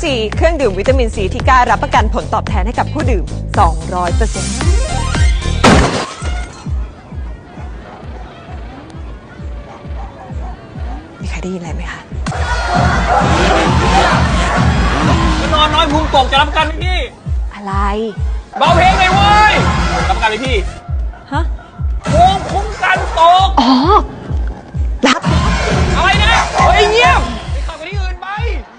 ซีเครื่องดื่มวิตามินซีที่กล้ารับประกันผลตอบแทนให้กับผู้ดื่ม 200%มีใครได้ยินอะไรไหมคะนอนน้อยพุงตกจะรับประกันไหมพี่อะไรเบาเพลงเลยเว้ยรับประกันไหมพี่ฮะภูมิคุ้มกันตกอ๋อรับอะไรนะเฮ้ยเงียบไปขับไปที่อื่นไป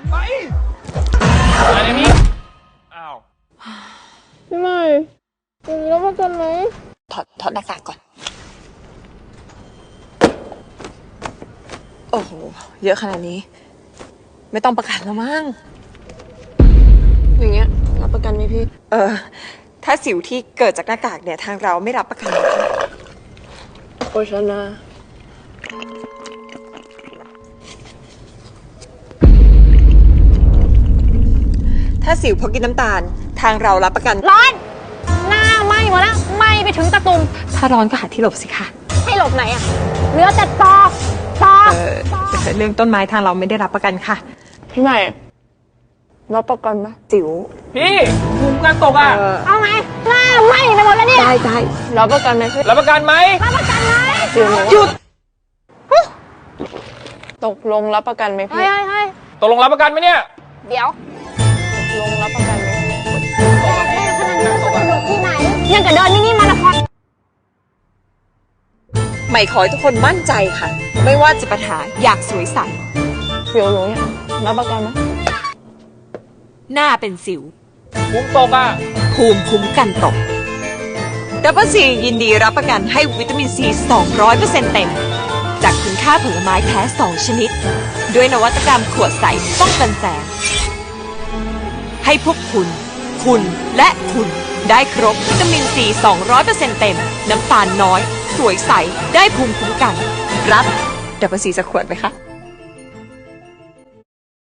อะไรเนี่ยพี่อ้าวพี่ใหม่อย่างนี้รับประกันไหมถอดหน้ากากก่อนโอ้โหเยอะขนาดนี้ไม่ต้องประกันแล้วมั้งอย่างเงี้ยรับประกันไหมพี่ถ้าสิวที่เกิดจากหน้ากากเนี่ยทางเราไม่รับประกันนะคะโอชนะถ้าสิวเพราะกินน้ำตาลทางเรารับประกันร้อนหน้าไหม้หมดแล้วไหม้ไปถึงตะตุ่มถ้าร้อนก็หาที่หลบสิคะให้หลบไหนอะเหลือแต่ตอเรื่องต้นไม้ทางเราไม่ได้รับประกันค่ะพี่ใหม่รับประกันไหมสิวพี่ภูมิคุ้มกันตกอ่ะเอาไงหน้าไหม้ไปหมดแล้วเนี่ยได้รับประกันไหมพี่รับประกันไหมหยุดตกลงรับประกันไหมพี่ตกลงรับประกันไหมเนี่ยเดี๋ยวลงรับประกันไหมที่ไหนยังกับเดินนี่มาราธอนใหม่ขอให้ทุกคนมั่นใจค่ะไม่ว่าจะปัญหาอยากสวยใสเสียวหนูเนี่ยรับประกันไหมหน้าเป็นสิวภูมิตกอ่ะภูมิคุ้มกันตกดับเบิลซียินดีรับประกันให้วิตามินซี 200% เต็มจากคุณค่าผลไม้แท้ 2 ชนิดด้วยนวัตกรรมขวดใสป้องกันแสงให้พวกคุณและคุณได้ครบวิตามินซี 200% เต็มน้ำตาลน้อยสวยใสได้ภูมิคุ้มกันรับดับเบิลซีสักขวดไหมคะ